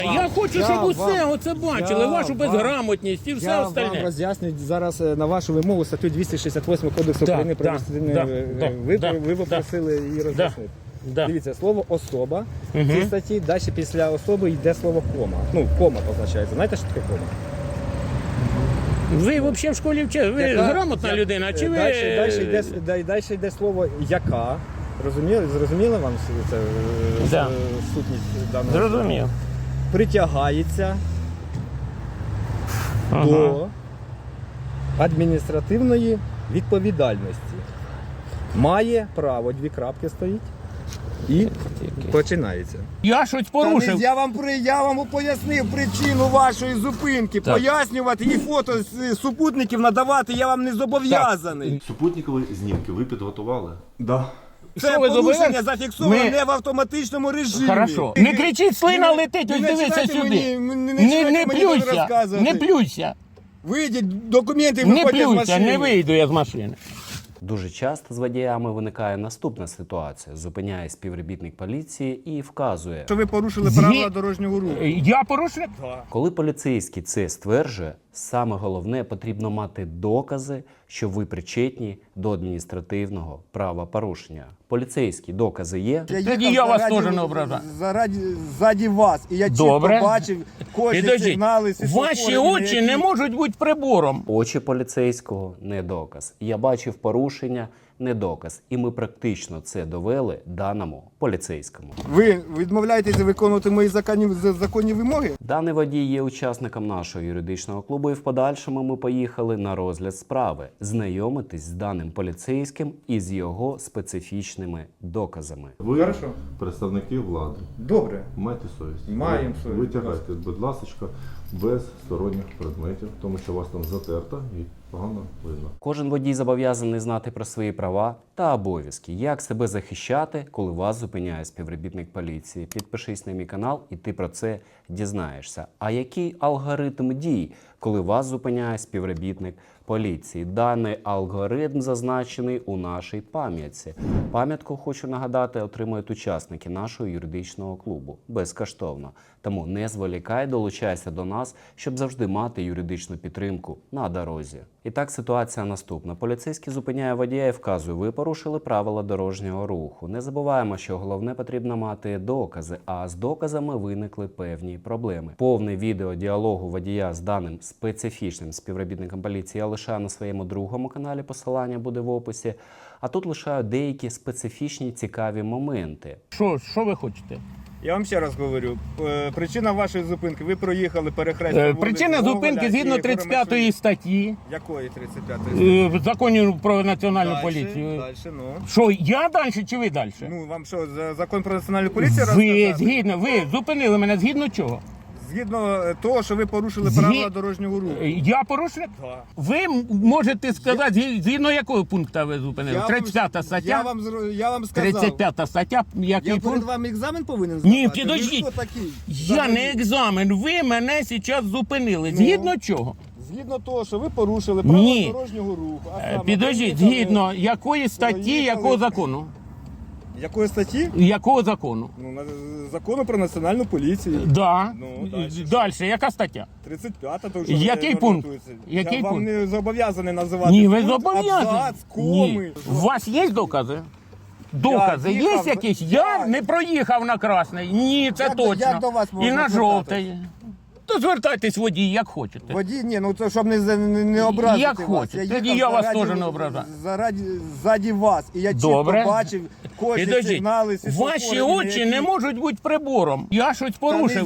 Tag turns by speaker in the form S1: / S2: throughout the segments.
S1: Я хочу, щоб усе оце бачили, вашу безграмотність і все
S2: Я
S1: остальне.
S2: вам роз'яснюю зараз на вашу вимогу статтю 268 Кодексу
S1: Да,
S2: України про
S1: да,
S2: адміністративне.
S1: да,
S2: Ви попросили її роз'яснити.
S1: Да.
S2: Дивіться, слово особа в цій статті, далі після особи йде слово кома. Ну, кома позначається. Знаєте, що таке кома?
S1: Ви взагалі в школі вчили? Ви грамотна людина, чи ви...
S2: Далі йде слово яка. Зрозуміли вам це сутність даного?
S1: Зрозумів.
S2: Притягається до адміністративної відповідальності. Має право, дві крапки стоїть, і починається.
S1: Я щось порушив.
S2: Я вам пояснив причину вашої зупинки.
S1: Так.
S2: Пояснювати і фото з супутників надавати я вам не зобов'язаний.
S3: Супутникові знімки ви підготували?
S2: Да.
S1: Що
S2: Це
S1: ви
S2: порушення
S1: зобов'язані?
S2: зафіксовано
S1: Ми-
S2: не в автоматичному режимі.
S1: Хорошо. Не кричіть, слина летить, ось дивися сюди. Не плюйся, не плюйся.
S2: Вийдіть, документи
S1: Не
S2: виходять з
S1: плюйся,
S2: машини.
S1: не вийду я з машини.
S4: Дуже часто з водіями виникає наступна ситуація. Зупиняє співробітник поліції і вказує.
S2: Що ви порушили
S1: Згі-
S2: правила дорожнього руху.
S1: Я порушник?
S4: Коли поліцейський це стверджує, саме головне потрібно мати докази, що ви причетні до адміністративного правопорушення. Поліцейські докази є.
S1: Тоді я вас теж не ображаю.
S2: Ззаді вас. І я чітко
S1: Добре.
S2: бачив кожні
S1: Підождіть,
S2: сигнали.
S1: ваші очі не можуть бути прибором.
S4: Очі поліцейського – не доказ. Я бачив порушення – не доказ. І ми практично це довели даному поліцейському.
S2: Ви відмовляєтеся виконувати мої законні вимоги?
S4: Даний водій є учасником нашого юридичного клубу, і в подальшому ми поїхали на розгляд справи, знайомитись з даним поліцейським і з його специфічними доказами.
S3: Ви
S2: Хорошо.
S3: представники влади.
S2: Добре.
S3: Майте совість.
S2: Маємо совість.
S3: Витягайте, будь ласка, без сторонніх предметів, тому що вас там затерто і погано видно.
S4: Кожен водій зобов'язаний знати про свої права та обов'язки, як себе захищати, коли вас зупиняє співробітник поліції. Підпишись на мій канал, і ти про це дізнаєшся. А який алгоритм дій, коли вас зупиняє співробітник поліції? Даний алгоритм зазначений у нашій пам'ятці. Пам'ятку, хочу нагадати, отримують учасники нашого юридичного клубу безкоштовно. Тому не зволікай, долучайся до нас, щоб завжди мати юридичну підтримку на дорозі. І так, ситуація наступна. Поліцейський зупиняє водія і вказує, ви порушили правила дорожнього руху. Не забуваємо, що головне потрібно мати докази, а з доказами виникли певні проблеми. Повне відео діалогу водія з даним специфічним співробітником поліції я лишаю на своєму другому каналі, посилання буде в описі. А тут лишаю деякі специфічні цікаві моменти.
S1: Що ви хочете?
S2: Я вам ще раз говорю. Причина вашої зупинки. Ви проїхали перехрестя.
S1: Причина зупинки згідно 35 статті
S2: Якої 35-ї?
S1: в законі про національну поліцію.
S2: Дальше, ну.
S1: Що, я далі чи ви далі?
S2: Ну, вам що, закон про національну поліцію
S1: Ви
S2: розказати?
S1: ви зупинили мене згідно чого?
S2: Згідно того, що ви порушили
S1: Згі-
S2: правила дорожнього руху.
S1: Я порушник?
S2: Да.
S1: Ви можете сказати, згідно якого пункту ви зупинили? 35 стаття?
S2: Я вам сказав.
S1: 35 стаття, який
S2: Я перед
S1: пункт?
S2: вами екзамен повинен здавати?
S1: Ні,
S2: Ви
S1: підождіть.
S2: хто такий?
S1: Я не екзамен, ви мене зараз зупинили. Згідно чого?
S2: Згідно того, що ви порушили правила
S1: Ні.
S2: дорожнього руху. А саме
S1: Підождіть,
S2: проїхали-
S1: згідно якої статті,
S2: проїхали-
S1: якого закону?
S2: Якої статті?
S1: Якого закону?
S2: Ну, закону про національну поліцію.
S1: Да.
S2: Ну, дальше.
S1: Далі, яка стаття?
S2: 35-та, то вже
S1: Який пункт?
S2: орієнтується.
S1: Який
S2: Я вам
S1: пункт?
S2: не зобов'язаний називати.
S1: Ні, ви
S2: пункт,
S1: зобов'язані.
S2: абзац,
S1: Ні.
S2: коми.
S1: У вас є докази? Докази є
S2: їхав-
S1: якісь?
S2: я-
S1: Я не проїхав на красний. Ні, це
S2: Як
S1: точно.
S2: до вас
S1: І
S2: можна
S1: на
S2: звертатись?
S1: жовтий. То звертайтесь водій, як хочете.
S2: Водій, ні, ну це щоб не образити
S1: Як
S2: вас.
S1: хочете. Тоді
S2: їхав
S1: я вас
S2: заради-
S1: теж не ображаю.
S2: Ззаді вас. І я
S1: Добре.
S2: чітко бачив кожні
S1: Підождіть,
S2: сигнали.
S1: ваші
S2: світлофори,
S1: очі
S2: які-
S1: не можуть бути прибором. Я щось
S2: Та не-
S1: порушив.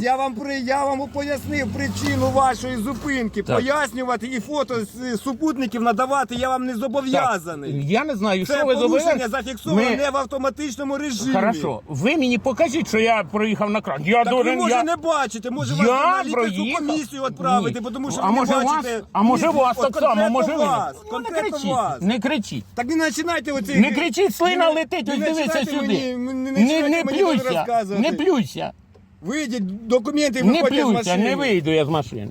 S2: Я вам пояснив причину вашої зупинки.
S1: Так.
S2: Пояснювати і фото з супутників надавати я вам не зобов'язаний.
S1: Я не знаю,
S2: Це
S1: що ви
S2: порушення
S1: зобов'язані.
S2: зафіксовано не в автоматичному режимі.
S1: Хорошо. Ви мені покажіть, що я проїхав на кран. Я
S2: Так ви,
S1: должен,
S2: може,
S1: я...
S2: не бачите, може
S1: Я
S2: вас на лікарську
S1: проїхав.
S2: комісію відправити,
S1: Ні.
S2: тому що
S1: А
S2: ви не
S1: може вас,
S2: бачите.
S1: а може
S2: Ні,
S1: вас
S2: от
S1: так само,
S2: конкретно
S1: може ви.
S2: вас,
S1: Ну, не
S2: конкретно
S1: кричіть,
S2: вас.
S1: не кричіть.
S2: Так не починайте оці...
S1: Не кричіть, слина летить, ось
S2: не
S1: дивися
S2: починайте
S1: сюди.
S2: мені-
S1: Не
S2: починайте мені
S1: плюйся,
S2: розказувати.
S1: не плюйся.
S2: Вийдіть, документи
S1: Не
S2: виходять з
S1: плюйся,
S2: машини.
S1: не вийду я з машини.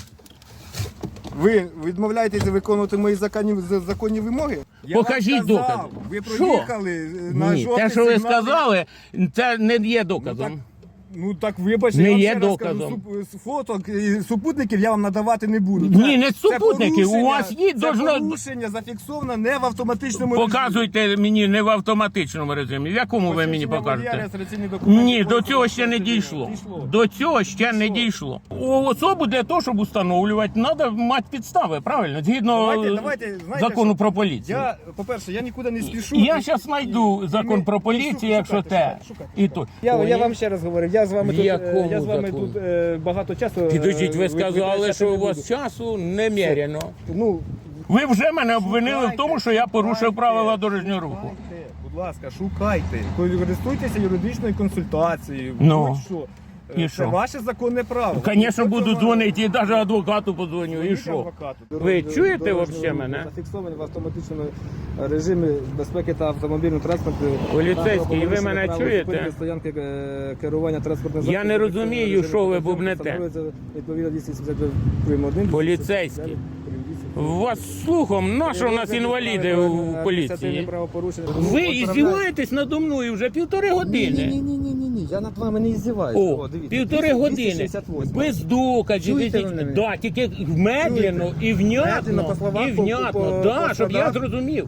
S2: Ви відмовляєтеся виконувати мої законні вимоги? Я
S1: Покажіть
S2: вам сказав,
S1: докази.
S2: Ви
S1: Що?
S2: проїхали на
S1: Ні,
S2: жовтий
S1: те, що ви
S2: сигнал.
S1: сказали, це не є доказом.
S2: Ну так вибачте,
S1: Не
S2: я вам
S1: є
S2: ще раз кажу,
S1: доказом.
S2: фото і супутників я вам надавати не буду.
S1: Ні, не супутники, у вас є,
S2: це
S1: должно...
S2: порушення зафіксовано не в автоматичному режимі.
S1: Показуйте мені не в автоматичному режимі. В якому ви мені
S2: Посвідчення водія,
S1: покажете?
S2: реєстраційний документ.
S1: Ні, до цього ще не дійшло. До цього ще не дійшло. Особу для того, щоб встановлювати, треба мати підстави, правильно? Згідно
S2: Давайте, знаєте,
S1: закону
S2: що?
S1: про поліцію.
S2: По-перше, я нікуди не спішу.
S1: Я зараз знайду закон про поліцію, якщо те. І то.
S2: Я вам ще раз говорю, я з вами
S1: В
S2: тут,
S1: якому
S2: я з вами
S1: законі?
S2: тут багато часу.
S1: Підождіть, ви сказали,
S2: витрачати
S1: що
S2: не
S1: у вас
S2: буду.
S1: часу немерено.
S2: Ну,
S1: Ви вже мене обвинили в тому, що я порушив
S2: шукайте,
S1: правила дорожнього руху.
S2: шукайте, будь ласка, шукайте. Користуйтеся юридичною консультацією.
S1: Ну,
S2: будь-що.
S1: і
S2: Це
S1: що?
S2: ваше законне право.
S1: Звісно,
S2: Ніхто
S1: буду
S2: цього-
S1: дзвонити, і навіть адвокату подзвоню, і
S2: Дзвоніть
S1: що?
S2: адвокату.
S1: Ви чуєте
S2: Дорожнього
S1: вообще
S2: руху
S1: мене?
S2: Зафіксовані в автоматичному режимі безпеки та автомобільного транспорту.
S1: Поліцейський, ви мене чуєте?
S2: Стоянки керування транспортним
S1: Я не розумію, що ви бубнете.
S2: Відповідно 270 прим. 1.
S1: Поліцейський. У вас слухом, на що у нас інваліди у поліції? Ви іздіваєтесь надо мною вже півтори години.
S2: Ні, я над вами не іздіваюся.
S1: О, півтори години. Без доказів.
S2: Чуєте ви мене?
S1: Да, тільки медленно і
S2: Медленно,
S1: внятно.
S2: по словах,
S1: І внятно,
S2: по
S1: да, щоб я
S2: складах.
S1: зрозумів.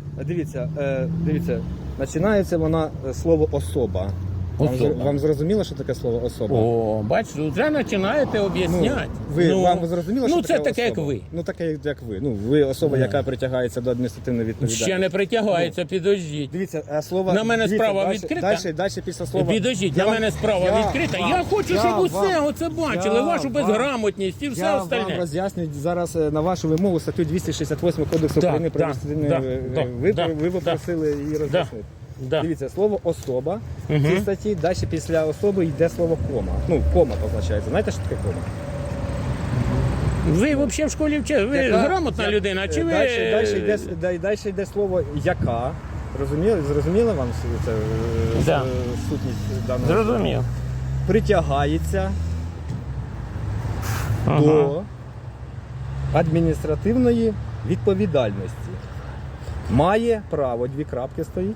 S2: Дивіться, починається вона слово особа.
S1: Особа.
S2: Вам зрозуміло, що таке слово особа?
S1: О, бачите, вже починаєте об'ясняти.
S2: Вам зрозуміло, що
S1: ну,
S2: таке
S1: це таке, як
S2: особа?
S1: ви.
S2: Ну таке, як ви. Ну, ви особа, яка притягається до адміністративної відповідальності.
S1: Ще не притягається, підождіть.
S2: Дивіться, слово...
S1: На мене
S2: дивіться,
S1: справа
S2: далі-
S1: відкрита?
S2: Далі після слова...
S1: Підождіть, на мене справа відкрита. Я хочу, щоб усе оце бачили, вашу безграмотність і все
S2: Я вам
S1: остальне.
S2: роз'яснюю зараз на вашу вимогу статтю 268 Кодексу
S1: Да,
S2: України про
S1: да,
S2: адміністративне...
S1: да,
S2: Ви
S1: да,
S2: попросили її роз'яснити.
S1: Да.
S2: Дивіться, слово особа в цій статті, далі після особи йде слово кома. Ну, кома позначається. Знаєте, що таке кома?
S1: Ви взагалі в школі вчили, ви грамотна людина, чи ви...
S2: Далі йде слово яка. Зрозуміло вам це
S1: Да.
S2: сутність даного?
S1: Зрозумів.
S2: Притягається до адміністративної відповідальності. Має право, дві крапки стоїть.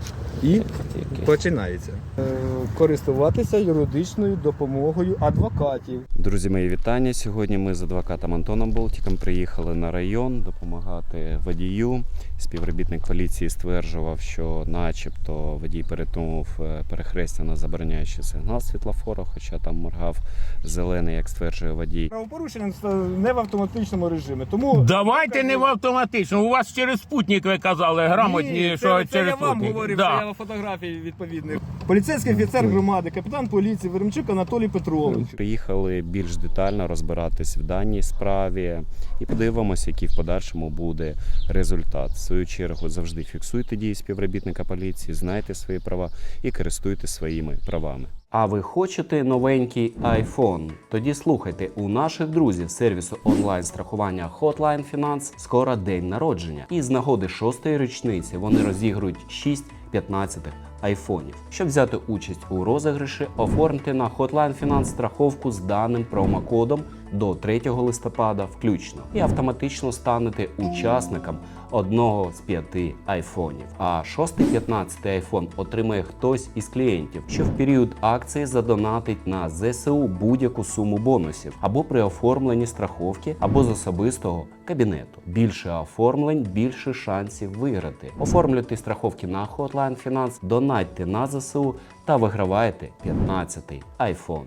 S2: І починається. Користуватися юридичною допомогою адвокатів.
S4: Друзі, мої вітання. Сьогодні ми з адвокатом Антоном Болтіком приїхали на район допомагати водію. Співробітник поліції стверджував, що начебто водій перетнув перехрестя на забороняючий сигнал світлофора, хоча там моргав зелений, як стверджує водій.
S2: Правопорушення не в автоматичному режимі. Тому
S1: Давайте не в автоматично. У вас через спутник ви казали, грамотні, що
S2: це
S1: через
S2: я вам
S1: спутник.
S2: говорив,
S1: Да.
S2: це я фотографії відповідних. Поліцейський офіцер громади, капітан поліції Веремчук Анатолій Петрович.
S4: Приїхали більш детально розбиратись в даній справі і подивимося, який в подальшому буде результат. В свою чергу завжди фіксуйте дії співробітника поліції, знайте свої права і користуйтесь своїми правами. А ви хочете новенький iPhone? Тоді слухайте, у наших друзів сервісу онлайн-страхування Hotline Finance скоро день народження. І з нагоди 6-ї річниці вони розігрують 6 15-х айфонів. Щоб взяти участь у розіграші, оформте на Hotline Finance страховку з даним промокодом до 3 листопада включно і автоматично станете учасником одного з 5 айфонів. А 6-15 айфон отримає хтось із клієнтів, що в період акції задонатить на ЗСУ будь-яку суму бонусів або при оформленні страховки, або з особистого кабінету. Більше оформлень, більше шансів виграти. Оформлюйте страховки на Hotline Finance, донатьте на ЗСУ та вигравайте 15-й айфон.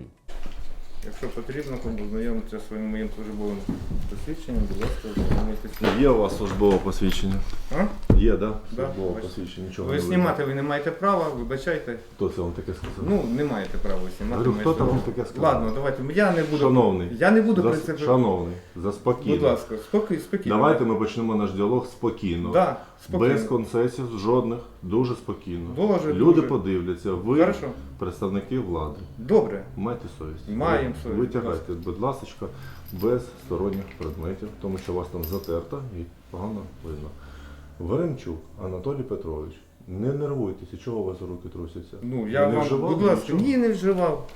S5: Якщо потрібно, кому знайомитися зі своїм моїм службовим посвідченням, будь ласка, знайомитися.
S3: Є у вас службове посвідчення?
S5: А?
S3: Є, так? Да?
S5: Да,
S3: Службове
S5: бачите.
S3: посвідчення, нічого
S5: Ви
S3: не
S5: знімати ви не маєте права, вибачайте.
S3: Хто це вам таке сказав?
S5: Ну, не маєте права знімати.
S3: Говорю,
S5: моє
S3: хто там
S5: слово.
S3: вам таке сказав?
S5: Ладно, давайте, я не буду.
S3: Шановний,
S5: Я не буду про це.
S3: шановний, заспокійно.
S5: Будь ласка, спокійно.
S3: Давайте ми почнемо наш діалог спокійно.
S5: Да, спокійно.
S3: Без концесій жодних, дуже спокійно.
S5: Дуже,
S3: Люди
S5: дуже.
S3: подивляться, ви
S5: Хорошо.
S3: представники влади.
S5: Добре.
S3: Майте совість.
S5: Маємо совість,
S3: Витягайте, будь ласка, без сторонніх предметів, тому що вас там затерто і погано видно. Веремчук Анатолій Петрович, не нервуйтеся, чого у вас руки трусяться?
S5: Ну, я
S3: Ви не
S5: вам,
S3: вживали
S5: будь ласка,
S3: нічого?
S5: ні, не вживав.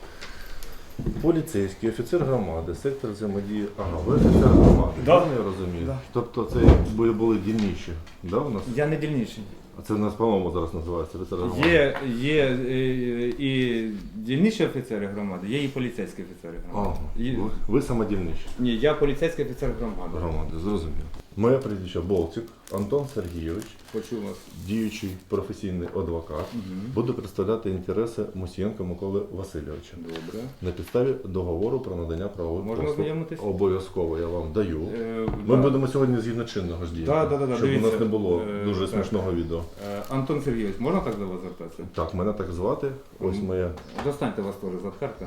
S3: Поліцейський, офіцер громади, сектор взаємодії. Ага, ви офіцер громади,
S5: Да.
S3: правильно я розумію?
S5: Да.
S3: Тобто це ви були дільніші, да, у нас?
S5: Я не дільніший.
S3: А це в нас, по-моєму, зараз називається офіцер громади.
S5: Є і дільничі офіцери громади, є і поліцейські офіцери громади.
S3: Ви самодільничі
S5: Ні, я поліцейський офіцер громади.
S3: громади, зрозуміло. Моє прізвище Болтик Антон Сергійович,
S5: Почув вас.
S3: діючий професійний адвокат. Буду представляти інтереси Мусієнка Миколи Васильовича.
S5: Добре.
S3: На підставі договору про надання правових
S5: Можна
S3: послуг.
S5: ознайомитись?
S3: Обов'язково я вам даю.
S5: Да.
S3: Ми будемо сьогодні згідно чинного ж діяти,
S5: Да,
S3: щоб у
S5: дивіться.
S3: нас не було дуже
S5: Так.
S3: смішного відео.
S5: Антон Сергійович, можна так до вас звертатися?
S3: Так, мене так звати. Ось моє.
S5: Достаньте вас теж за карта.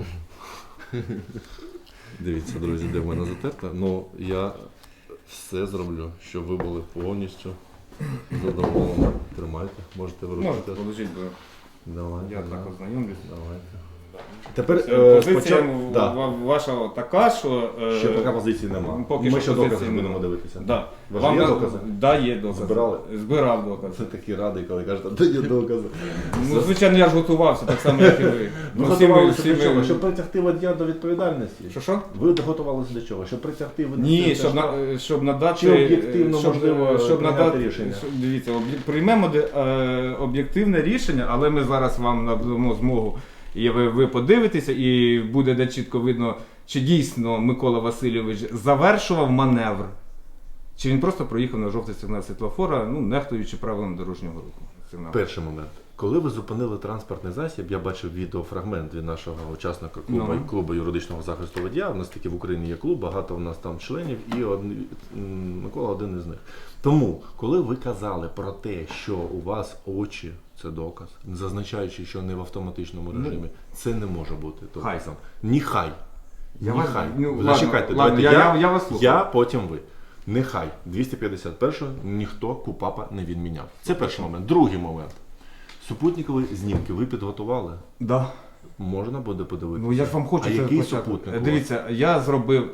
S3: Дивіться, друзі, де в мене затерта. Ну, я все зроблю, щоб ви були повністю задоволені. Тримайте, можете
S5: Можете
S3: вирушити.
S5: положити, бо
S3: Давайте.
S5: я так ознайомлюсь.
S3: Давайте. Тепер
S5: Позиція
S3: спочатку. Да.
S5: ваша така, що...
S3: Ще поки позиції немає.
S5: Поки
S3: Ми
S5: що
S3: ще
S5: позиції
S3: докази
S5: немає.
S3: будемо дивитися.
S5: Да.
S3: У вас є докази?
S5: Да, є докази.
S3: Збирали?
S5: Збирав докази.
S3: Це такий радий, коли кажете, де є докази.
S5: Ну, звичайно, я ж готувався, так само, як і ви.
S3: Ну,
S5: всі ми-
S3: готувалися
S5: всі
S3: для чого?
S5: ми-
S3: Щоб притягти водія до відповідальності.
S5: Що?
S3: Ви готувалися для чого? Щоб притягти водія?
S5: Ні, щоб надати...
S3: Чи об'єктивно можливо
S5: щоб
S3: прийняти
S5: надати
S3: рішення?
S5: Дивіться, приймемо об'єктивне рішення, але ми зараз вам надамо змогу, і ви подивитеся, і буде де чітко видно, чи дійсно Микола Васильович завершував маневр, чи він просто проїхав на жовтий сигнал світлофора, ну, нехтуючи правилам дорожнього руху. Сигналу.
S3: Перший момент. Коли ви зупинили транспортний засіб, я бачив відеофрагмент від нашого учасника клубу юридичного захисту водія. У нас таки в Україні є клуб, багато в нас там членів, і Микола один із них. Тому, коли ви казали про те, що у вас очі, це доказ, зазначаючи, що не в автоматичному режимі, це не може бути доказом. Нехай. Нехай. Зачекайте,
S5: ладно,
S3: давайте
S5: я вас слухаю.
S3: я, потім ви. Нехай 251-го ніхто КУпАПа не відміняв. Це перший момент. Другий момент. Супутникові знімки ви підготували?
S5: Да.
S3: Можна буде подивитися?
S5: Ну я ж вам хочу
S3: А
S5: це
S3: який
S5: почати.
S3: супутник? у вас?
S5: Дивіться, я зробив,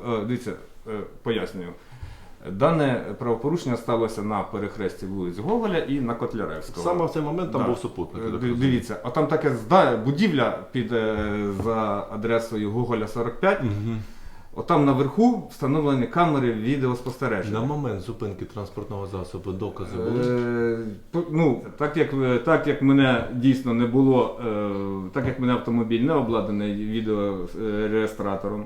S5: пояснюю. Дане правопорушення сталося на перехресті вулиць Гоголя і на Котляревського.
S3: Саме в цей момент там
S5: Да.
S3: був супутник. я так розумію.
S5: Дивіться, а там таке будівля під за адресою Гоголя 45. Отам наверху встановлені камери відеоспостереження.
S3: На момент зупинки транспортного засобу докази були?
S5: Ну, так як мене дійсно не було, так як мене автомобіль не обладнаний відеореєстратором,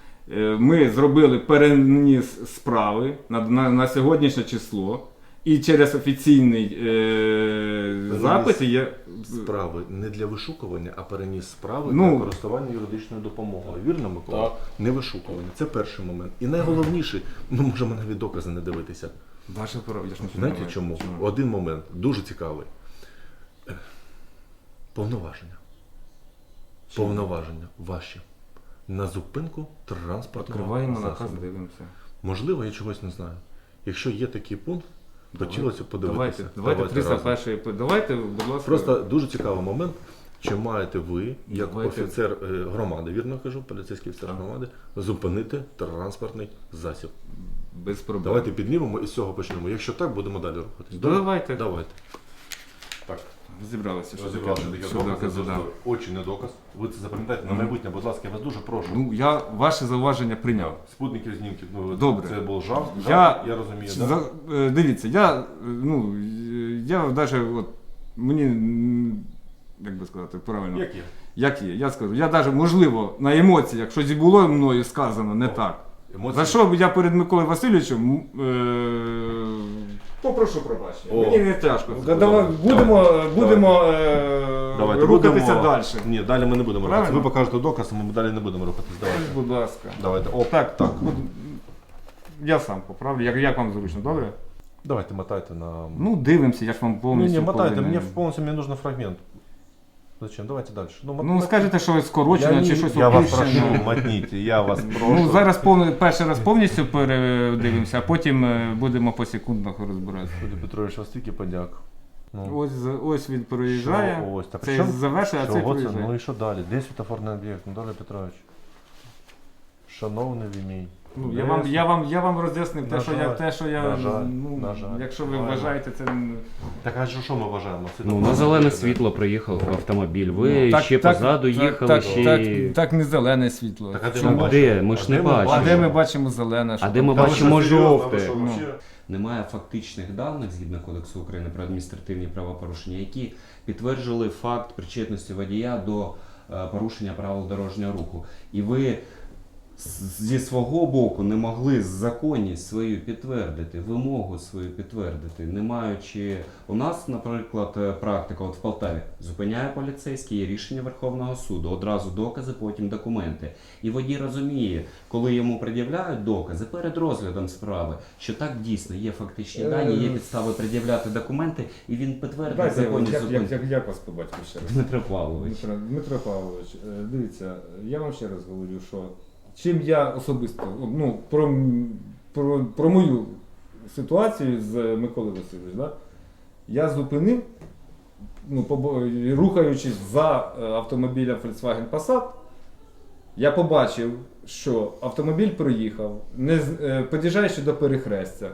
S5: ми зробили переніс справи на сьогоднішнє число. І через офіційний запис є...
S3: Справи не для вишукування, а переніс справи
S5: Ну,
S3: для користування юридичною допомогою. Вірно, Микола?
S5: Так.
S3: Не вишукування. Це перший момент. І найголовніше, ми можемо навіть докази не дивитися.
S5: Ваше право, я ж нічого не
S3: Знаєте
S5: маю.
S3: чому? Один момент, дуже цікавий. Повноваження. Повноваження ваші. На зупинку транспортного
S5: Відкриваємо
S3: засобу.
S5: наказ, дивимося.
S3: Можливо, я чогось не знаю. Якщо є такий пункт, хотілося подивитися.
S5: Давайте
S3: разом.
S5: 301-й. Давайте, будь ласка.
S3: Просто дуже цікавий момент. Чи маєте ви, як
S5: Давайте.
S3: офіцер громади, вірно кажу, поліцейський офіцер громади, зупинити транспортний засіб?
S5: Без проблем.
S3: Давайте піднімемо і з цього почнемо. Якщо так, будемо далі рухатись.
S5: Давайте.
S3: Давайте. Так.
S5: Зібралися.
S3: Розібравши таке
S5: Що
S3: докази,
S5: докази, да.
S3: очі не доказ. Ви це запам'ятаєте на майбутнє, будь ласка, я вас дуже прошу.
S5: Ну, я ваше зауваження прийняв.
S3: Спутників знімків, ну,
S5: Добре.
S3: це був жарт,
S5: Я
S3: розумію. Да?
S5: Дивіться, я навіть от мені, як би сказати, правильно.
S3: Як є?
S5: Як є, я скажу. Я навіть, можливо, на емоціях щось і було мною сказано не так.
S3: Емоції?
S5: За що я перед Миколою Васильовичем попрошу пробачення.
S3: О.
S5: Мені не тяжко.
S3: Давай.
S5: Будемо
S3: Давайте,
S5: рухатися
S3: будемо-
S5: далі.
S3: Ні, далі ми не будемо рухатися.
S5: Правильно?
S3: Ви покажете доказ, а ми далі не будемо рухатись. Давайте.
S5: Будь ласка.
S3: Давайте. О,
S5: Так. Я сам поправлю. Як вам зручно, добре?
S3: Давайте мотайте на...
S5: Ну, дивимося, я ж вам повністю.
S3: Не, мотайте,
S5: повинен.
S3: мне нужен фрагмент. Зачем? Давайте дальше.
S5: Ну, скажете, що скорочено чи щось
S3: Я вас
S5: опущено.
S3: прошу, мотните, я вас прошу.
S5: Ну, зараз перший раз повністю передивимося, а потім будемо по секундах розбиратися.
S3: Юрій Петрович, вас тільки подяк. Ну.
S5: Ось він проїжджає,
S3: Що ось? Так,
S5: цей
S3: що?
S5: завершує, а цей
S3: Чого це?
S5: проїжджає.
S3: Ну і що далі? Де світофорний об'єкт, Анатолій Петрович? Шановний ви мій.
S5: Ну,
S3: Де
S5: я вам роз'яснив
S3: На
S5: те, що я,
S3: жаль,
S5: ну,
S3: на жаль.
S5: якщо ви
S3: Правильно.
S5: вважаєте це...
S3: Так а що ми вважаємо?
S4: Ну, на зелене світло приїхав автомобіль. Ви ще позаду їхали, ще...
S5: Так не зелене світло.
S3: Так, а де
S5: Чому?
S3: ми бачимо?
S4: Де? Ми ж не
S3: де ми
S4: бачимо.
S5: А де ми бачимо зелене?
S4: А де ми бачимо жовте? немає фактичних даних згідно Кодексу України про адміністративні правопорушення, які підтверджували факт причетності водія до порушення правил дорожнього руху. І ви зі свого боку не могли законність свою підтвердити, вимогу свою підтвердити, не маючи... У нас, наприклад, практика от в Полтаві. Зупиняє поліцейський, є рішення Верховного суду, одразу докази, потім документи. І водій розуміє, коли йому пред'являють докази перед розглядом справи, що так дійсно є фактичні дані, є підстави пред'являти документи, і він підтвердить законність зупинки.
S5: Як вас побачив ще раз?
S4: Дмитро Павлович.
S5: Дмитро Павлович, дивіться, я вам ще раз говорю, що чим я особисто, ну, про мою ситуацію з Миколою Васильовичем, да? Я зупинив, ну, рухаючись за автомобілем Volkswagen Passat, я побачив, що автомобіль проїхав, під'їжджаючи до перехрестя.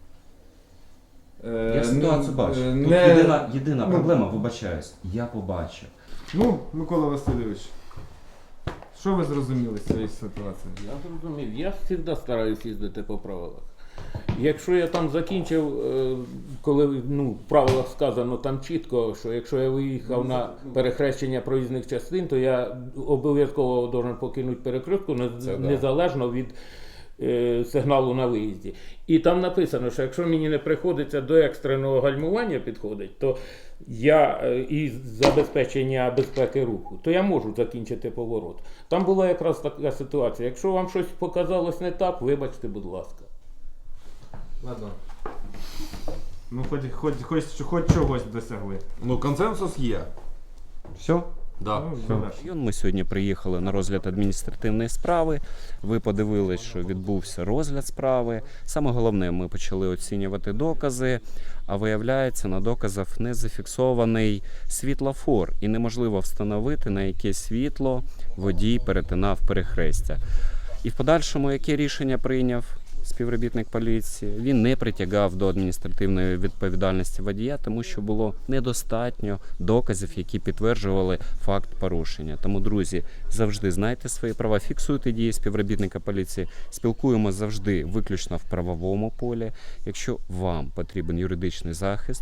S4: Я ситуацію бачу. Тут єдина проблема, вибачаюсь, я побачив.
S5: Ну, Микола Васильович, що ви зрозуміли з цієї ситуації?
S1: Я зрозумів, я завжди стараюсь їздити по правилах. Якщо я там закінчив, коли в правилах сказано там чітко, що якщо я виїхав на перехрещення проїзних частин, то я обов'язково повинен покинути перекрестку, незалежно від сигналу на виїзді. І там написано, що якщо мені не приходиться до екстреного гальмування підходить, то я і забезпечення безпеки руху, то я можу закінчити поворот. Там була якраз така ситуація. Якщо вам щось показалось не так, вибачте, будь ласка.
S5: Ладно. Ну, хоч чогось досягли.
S3: Ну, консенсус є.
S4: Все?
S3: Да.
S4: Ми сьогодні приїхали на розгляд адміністративної справи. Ви подивились, що відбувся розгляд справи. Саме головне, ми почали оцінювати докази, а виявляється, на доказах не зафіксований світлофор і неможливо встановити, на яке світло водій перетинав перехрестя. І в подальшому, яке рішення прийняв співробітник поліції? Він не притягав до адміністративної відповідальності водія, тому що було недостатньо доказів, які підтверджували факт порушення. Тому, друзі, завжди знайте свої права, фіксуйте дії співробітника поліції, спілкуємося завжди виключно в правовому полі. Якщо вам потрібен юридичний захист,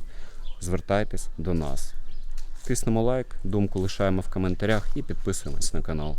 S4: звертайтесь до нас. Тиснемо лайк, думку лишаємо в коментарях і підписуємось на канал.